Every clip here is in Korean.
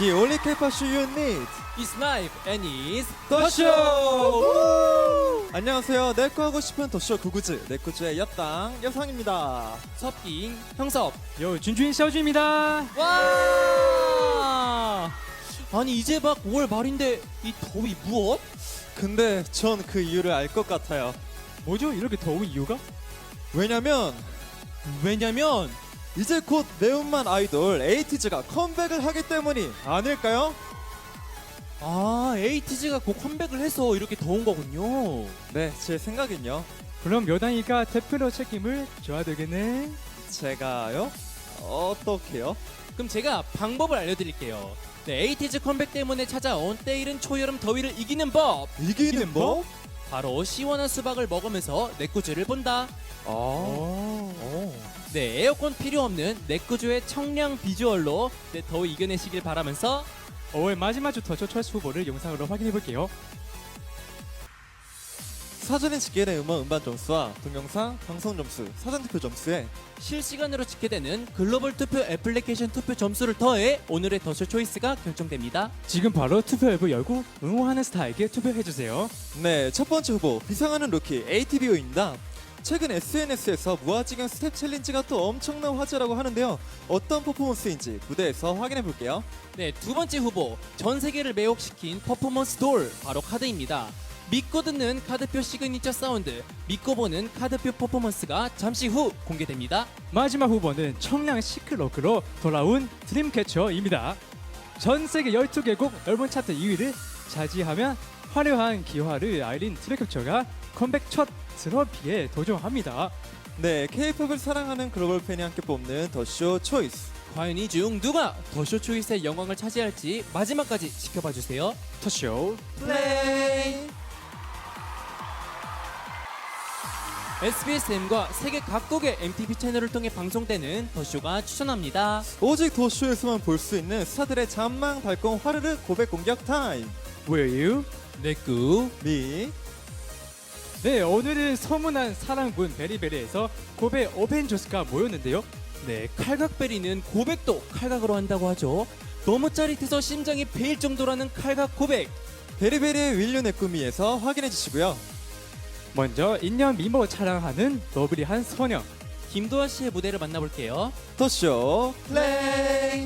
The only K-pop show you need. It's live and it's 더쇼! 안녕하세요. 내꺼 하고 싶은 더쇼 구구즈 내꺼즈의 옆당 여상입니다. 섭깅 형섭. 요 준주인 샤오주입니다. 와! 아니 이제 막 5월 말인데 이 더위 무엇? 근데 전 그 이유를 알 것 같아요. 뭐죠? 이렇게 더운 이유가? 왜냐면 이제 곧 매운맛 아이돌 에이티즈가 컴백을 하기 때문이 아닐까요? 아, 에이티즈가 곧 컴백을 해서 이렇게 더운 거군요. 네, 제 생각은요. 그럼 여당이가 대표로 책임을 져야 되겠네. 제가요? 어떻게요? 그럼 제가 방법을 알려드릴게요. 네, 에이티즈 컴백 때문에 찾아온 때이른 초여름 더위를 이기는 법. 이기는 법? 바로 시원한 수박을 먹으면서 내꾸즈를 본다. 네, 에어컨 필요 없는 내꾸즈의 청량 비주얼로 네, 더위 이겨내시길 바라면서 5월 마지막 주 더쇼 초이스 후보를 영상으로 확인해 볼게요. 사전에 집계된 음반 점수와 동영상, 방송 점수, 사전 투표 점수에 실시간으로 집계되는 글로벌 투표 애플리케이션 투표 점수를 더해 오늘의 더쇼 초이스가 결정됩니다. 지금 바로 투표 앱을 열고 응원하는 스타에게 투표해 주세요. 네, 첫 번째 후보 비상하는 루키 ATBO입니다. 최근 SNS에서 무아지경 스텝 챌린지가 또 엄청난 화제라고 하는데요. 어떤 퍼포먼스인지 무대에서 확인해 볼게요. 네, 두 번째 후보 전 세계를 매혹시킨 퍼포먼스 돌 바로 카드입니다. 믿고 듣는 카드표 시그니처 사운드, 믿고 보는 카드표 퍼포먼스가 잠시 후 공개됩니다. 마지막 후보는 청량 시크로크로 돌아온 드림캐쳐입니다. 전 세계 12개국 앨범 차트 2위를 차지하며 화려한 기화를 알린 드림캐쳐가 컴백 첫 트로피에 도전합니다. 네, K-팝을 사랑하는 글로벌 팬이 함께 뽑는 더쇼 초이스. 과연 이 중 누가 더쇼 초이스의 영광을 차지할지 마지막까지 지켜봐 주세요. 더쇼 플레이. SBSM과 세계 각국의 MTV 채널을 통해 방송되는 더쇼가 추천합니다. 오직 더쇼에서만 볼 수 있는 스타들의 잔망 발동 화르르 고백 공격 타임. Will you? 내꾸 미. 네, 오늘은 소문난 사랑군 베리베리에서 고베 어벤져스가 모였는데요. 네, 칼각베리는 고백도 칼각으로 한다고 하죠. 너무 짜릿해서 심장이 베일 정도라는 칼각 고백. 베리베리의 윌류 네꾸미에서 확인해 주시고요. 먼저 인년 미모 자랑하는 너브리한 소녀. 김도아 씨의 무대를 만나볼게요. 더쇼 플레이.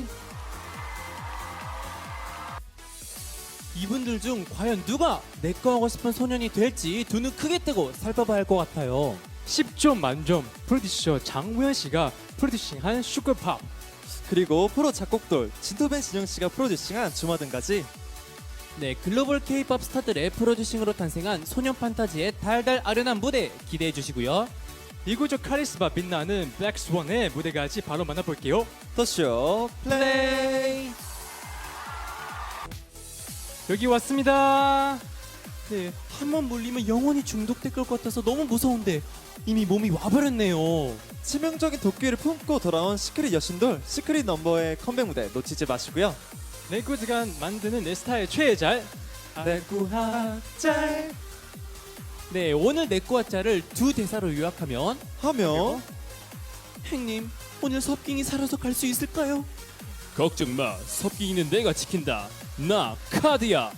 이분들 중 과연 누가 내꺼 하고 싶은 소년이 될지 두 눈 크게 뜨고 살펴봐야 할 것 같아요. 10점 만점 프로듀서 장우현 씨가 프로듀싱한 슈퍼팝. 그리고 프로 작곡돌 진토벤 진영 씨가 프로듀싱한 주마등까지. 네, 글로벌 K-팝 스타들의 프로듀싱으로 탄생한 소년 판타지의 달달 아련한 무대 기대해 주시고요. 이구조 카리스마 빛나는 블랙스원의 무대까지 바로 만나볼게요. 더쇼 플레이. 여기 왔습니다. 네, 한 번 물리면 영원히 중독될 것 같아서 너무 무서운데 이미 몸이 와버렸네요. 치명적인 도끼를 품고 돌아온 시크릿 여신돌 시크릿 넘버의 컴백 무대 놓치지 마시고요. 내구즈가 만드는 내 스타일 최애잘. 내꾸하짤 네, 오늘 내꺼와짜를 두 대사로 요약하면 하며 행님, 오늘 섭깅이 살아서 갈 수 있을까요? 걱정 마, 섭깅이는 내가 지킨다. 나 카드야.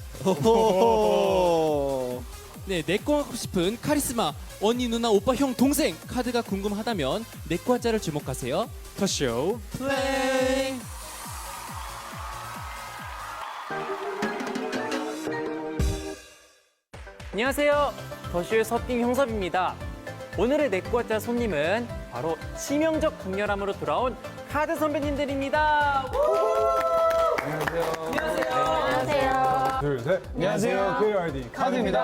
호호호. 네, 내꺼 하고 싶은 카리스마 언니, 누나, 오빠, 형, 동생 카드가 궁금하다면 내꺼와짜를 주목하세요. 더쇼 플레이. 안녕하세요. 더쇼의 섭깅 형섭입니다. 오늘의 내꺼와짜 손님은 바로 치명적 강렬함으로 돌아온 카드 선배님들입니다. 안녕하세요. 둘, 셋. 안녕하세요. QRD 카드입니다.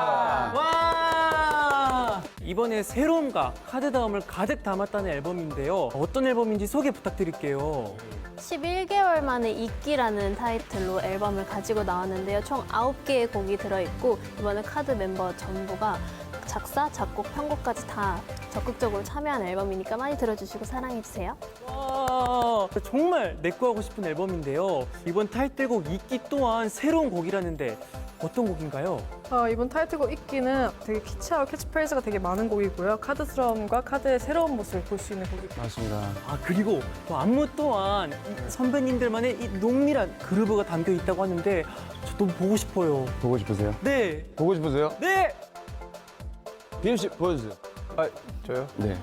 와! 이번에 새로움과 카드다움을 가득 담았다는 앨범인데요. 어떤 앨범인지 소개 부탁드릴게요. 11개월 만에 이끼라는 타이틀로 앨범을 가지고 나왔는데요. 총 9개의 곡이 들어있고 이번에 카드 멤버 전부가 작사, 작곡, 편곡까지 다 적극적으로 참여한 앨범이니까 많이 들어주시고 사랑해주세요. 와! 정말 내꺼 하고 싶은 앨범인데요. 이번 타이틀곡 이끼 또한 새로운 곡이라는데 어떤 곡인가요? 이번 타이틀곡 이끼는 되게 키치하고 캐치프레이즈가 되게 많은 곡이고요. 카드스러움과 카드의 새로운 모습을 볼 수 있는 곡이고. 맞습니다. 아 그리고 또 안무 또한 이 선배님들만의 이 농밀한 그루브가 담겨 있다고 하는데 저 너무 보고 싶어요. 보고 싶으세요? 네, 보고 싶으세요? 네. 비엠 씨 보여주세요. 아, 저요? 네.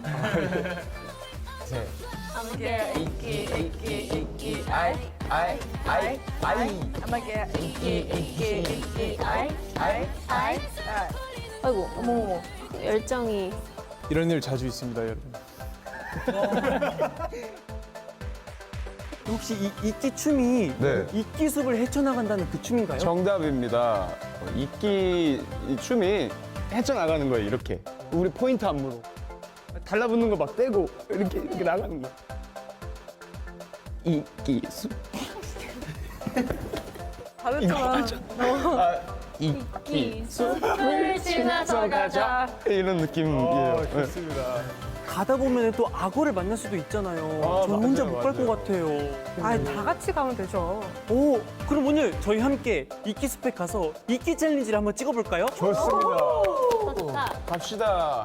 아이고, 어머머머. 열정이. 이런 일 자주 있습니다, 여러분. 혹시 이 이끼 춤이 네. 이끼 숲을 헤쳐나간다는 그 춤인가요? 정답입니다. 이끼 이 춤이 헤쳐나가는 거예요, 이렇게. 우리 포인트 안무로. 달라붙는 거 막 떼고 이렇게 나가는 거. 이끼 수. 다르지만 이끼 숲을 지나서 가자. 이런 느낌이에요. 네. 좋습니다. 가다 보면 또 악어를 만날 수도 있잖아요. 아, 저 혼자 맞아요, 못 갈 것 맞아요. 같아요. 다 같이 가면 되죠. 오, 그럼 오늘 저희 함께 이끼 숲에 가서 이끼 챌린지를 한번 찍어볼까요? 좋습니다. 좋다. 갑시다.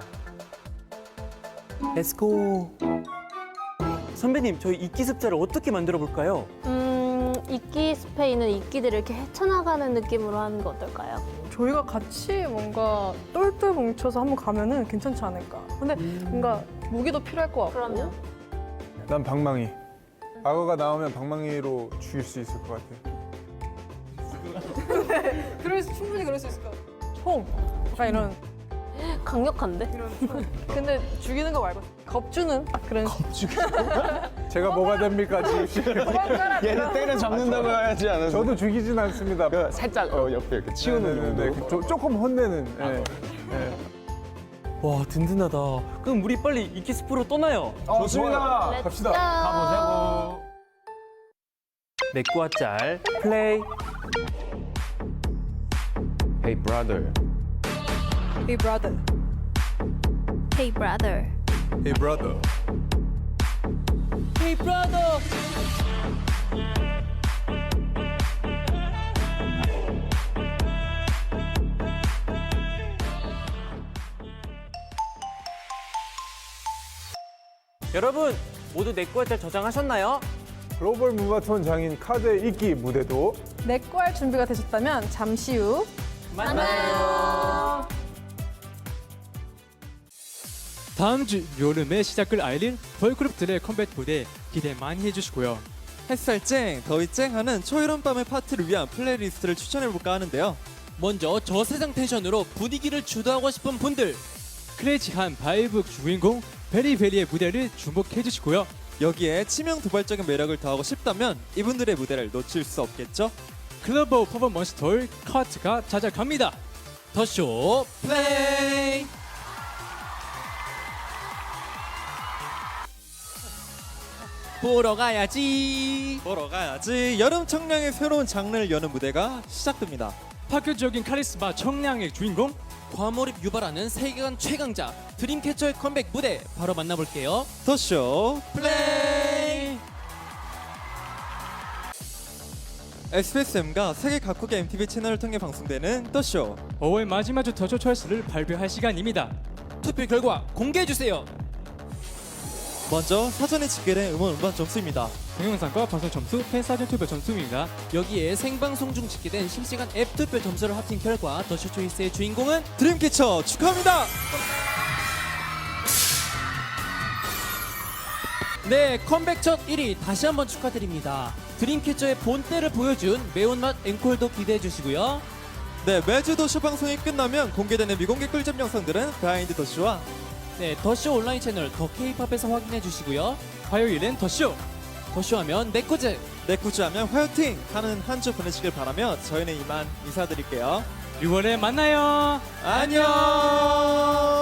렛츠고. 선배님, 저희 이끼 습자를 어떻게 만들어 볼까요? 이끼 숲에 있는 이끼들을 이렇게 헤쳐나가는 느낌으로 하는 거 어떨까요? 저희가 같이 뭔가 똘똘 뭉쳐서 한번 가면은 괜찮지 않을까. 근데 뭔가 무기도 필요할 것 같고. 그러면? 난 방망이. 악어가 나오면 방망이로 죽일 수 있을 것 같아. 충분히 그럴 수 있을 것 같아. 총. 약간 이런. 강력한데? 근데 죽이는 거 말고 겁주는 그런. 제가 뭐가 됩니까, 지금 씨? 얘는 때려 잡는다고 해야지 않았어요? 저도 죽이진 않습니다. 그 살짝 옆에 이렇게 치우는 네네네. 정도. 조금 혼내는. 예. 와, 든든하다. 그럼 우리 빨리 이끼 숲으로 떠나요. 좋습니다. 렛츠 갑시다. 고! 가보자고. 내꾸와 짤 플레이. Hey brother. Hey brother. Hey brother. Hey brother. Hey brother. 여러분, 모두 내꾸와 짤 저장하셨나요? 글로벌 무바톤 장인 카드의 이끼 무대도 내꺼 할 준비가 되셨다면 잠시 후 만나요. 다음 주 여름에 시작을 알릴 걸그룹들의 컴백 무대 기대 많이 해주시고요. 햇살 쨍, 더위 쨍하는 초여름 밤의 파티를 위한 플레이리스트를 추천해볼까 하는데요. 먼저 저세상 텐션으로 분위기를 주도하고 싶은 분들. 크레이지한 바이브 주인공 베리베리의 무대를 주목해주시고요. 여기에 치명 도발적인 매력을 더하고 싶다면 이분들의 무대를 놓칠 수 없겠죠? 글로벌 퍼포먼스 돌 카트가 찾아갑니다. 더쇼 플레이. 보러 가야지. 보러 가야지. 여름 청량의 새로운 장르를 여는 무대가 시작됩니다. 파격적인 카리스마 청량의 주인공 과몰입 유발하는 세계관 최강자 드림캐쳐의 컴백 무대 바로 만나볼게요. 더쇼 플레이. SBSM과 세계 각국의 MTV 채널을 통해 방송되는 더쇼. 5월 마지막 주 더쇼 초이스를 발표할 시간입니다. 투표 결과 공개해주세요. 먼저 사전에 집계된 음원 점수입니다. 동영상과 방송 점수, 팬사진 투표 점수입니다. 여기에 생방송 중 집계된 실시간 앱 투표 점수를 합친 결과 더쇼 초이스의 주인공은 드림캐쳐 축하합니다. 네, 컴백 첫 1위 다시 한번 축하드립니다. 드림캐쳐의 본때를 보여준 매운맛 앵콜도 기대해 주시고요. 네, 매주 더쇼 방송이 끝나면 공개되는 미공개 꿀잼 영상들은 비하인드 더쇼와 네, 더쇼 온라인 채널 더 K-팝에서 확인해 주시고요. 화요일엔 더쇼! 더쇼하면 내코즈. 내꾸즈하면 화요팅 하는 한 주 보내시길 바라며 저희는 이만 인사드릴게요. 6월에 만나요! 안녕.